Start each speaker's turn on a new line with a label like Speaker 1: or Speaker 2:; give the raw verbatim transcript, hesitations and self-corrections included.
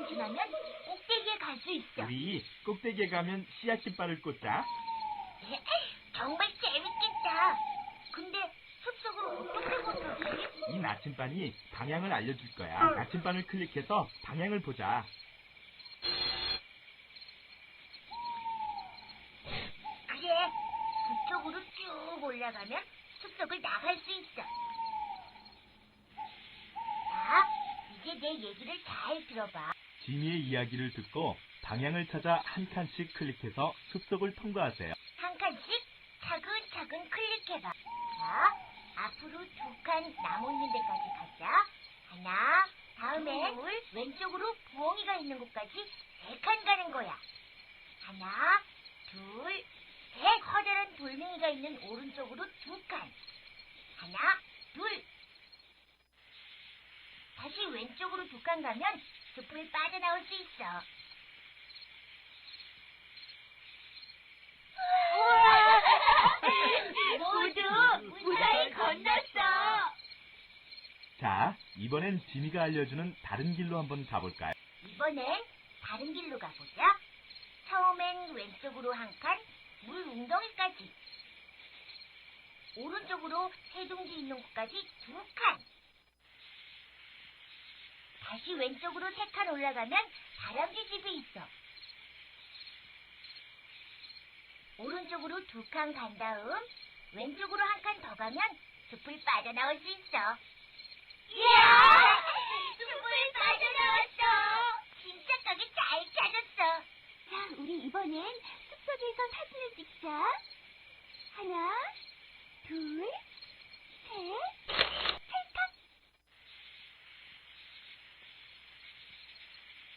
Speaker 1: 시간이 지나면 꼭대기에 갈 수 있어.
Speaker 2: 우리 꼭대기에 가면 씨앗 깃발을 꽂자.
Speaker 1: 정말 재밌겠다. 근데 숲속으로 어떻게 건너지?
Speaker 2: 이 나침반이 방향을 알려줄 거야. 나침반을 클릭해서 방향을 보자.
Speaker 1: 그래, 북쪽으로 쭉 올라가면 숲속을 나갈 수 있어. 자, 이제 내 얘기를 잘 들어봐.
Speaker 2: 지니의 이야기를 듣고 방향을 찾아 한 칸씩 클릭해서 숲속을 통과하세요.
Speaker 1: 한 칸씩 차근차근 클릭해봐. 자, 앞으로 두 칸 나무 있는 데까지 가자. 하나, 다음에 둘, 왼쪽으로 부엉이가 있는 곳까지 세 칸 가는 거야. 하나, 둘, 셋. 커다란 돌멩이가 있는 오른쪽으로 두 칸. 하나, 둘. 다시 왼쪽으로 두 칸 가면 숲을 빠져나올 수 있어. 우와! 모두 무사히 건넜어.
Speaker 2: 자, 이번엔 지니가 알려주는 다른 길로 한번 가볼까요?
Speaker 1: 이번엔 다른 길로 가보자. 처음엔 왼쪽으로 한 칸, 물 웅덩이까지. 오른쪽으로 새둥지 있는 곳까지 두 칸. 다시 왼쪽으로 세 칸 올라가면 다람쥐 집이 있어. 오른쪽으로 두 칸 간 다음 왼쪽으로 한 칸 더 가면 숲을 빠져나올 수 있어. 이야! 숲을 빠져나왔어! 진짜 가게 잘 찾았어. 자, 우리 이번엔 숲속에서 사진을 찍자. 하나, 둘, 셋.